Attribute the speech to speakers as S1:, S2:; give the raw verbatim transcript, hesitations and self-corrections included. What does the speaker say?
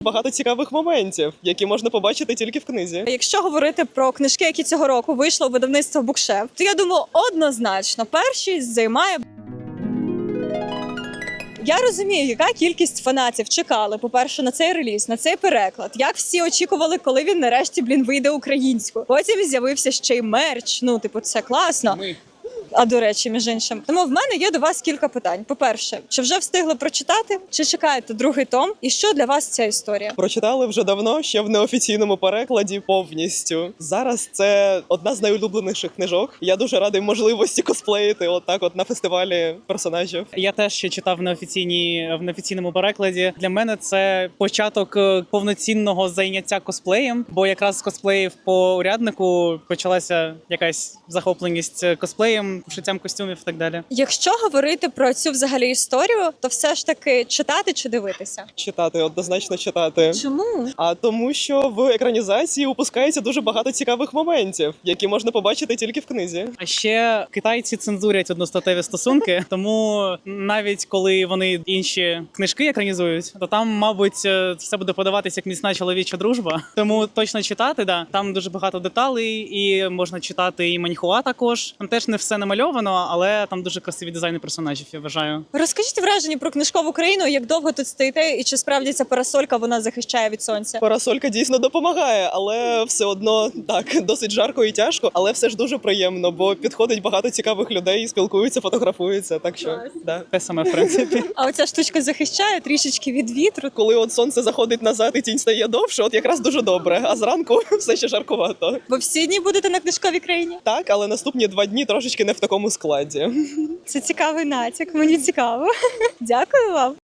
S1: Багато цікавих моментів, які можна побачити тільки в книзі.
S2: Якщо говорити про книжки, які цього року вийшли у видавництво Букшеф, то я думаю, однозначно першість займає. Я розумію, яка кількість фанатів чекали, по-перше, на цей реліз, на цей переклад. Як всі очікували, коли він нарешті, блін, вийде українською. Потім з'явився ще й мерч. Ну, типу, це класно.
S3: Ми.
S2: А до речі, між іншим. Тому в мене є до вас кілька питань. По-перше, чи вже встигли прочитати, чи чекаєте другий том? І що для вас ця історія?
S1: Прочитали вже давно, ще в неофіційному перекладі повністю. Зараз це одна з найулюбленіших книжок. Я дуже радий можливості косплеїти отак от на фестивалі персонажів.
S3: Я теж ще читав в неофіційній в неофіційному перекладі. Для мене це початок е, повноцінного зайняття косплеєм, бо якраз з косплеїв по уряднику почалася якась захопленість косплеєм, пошиттям костюмів і так далі.
S2: Якщо говорити про цю взагалі історію, то все ж таки читати чи дивитися?
S1: Читати, однозначно читати.
S2: Чому?
S1: А тому, що в екранізації упускається дуже багато цікавих моментів, які можна побачити тільки в книзі.
S3: А ще китайці цензурять одностатеві стосунки, тому навіть коли вони інші книжки екранізують, то там, мабуть, е, все буде подаватися як міцна чоловіча дружба. Тому точно читати, да. Там дуже багато деталей, і можна читати і маньхуа також. Там теж не все намальовано, але там дуже красиві дизайни персонажів, я вважаю.
S2: Розкажіть враження про книжкову країну, як довго тут стоїте, і чи справді ця парасолька вона захищає від сонця?
S1: Парасолька дійсно допомагає, але все одно так досить жарко і тяжко, але все ж дуже приємно, бо підходить багато цікавих людей, спілкуються, фотографуються. Так що да.
S3: Те саме, в принципі.
S2: А оця штучка захищає трішечки від вітру.
S1: Коли от сонце заходить назад і тінь стає довше, от якраз дуже добре. А зранку все ще жаркувато.
S2: Ви всі дні будете на книжковій країні?
S1: Так, але наступні два дні трошечки не в такому складі.
S2: Це цікавий натяк, мені цікаво. Дякую вам.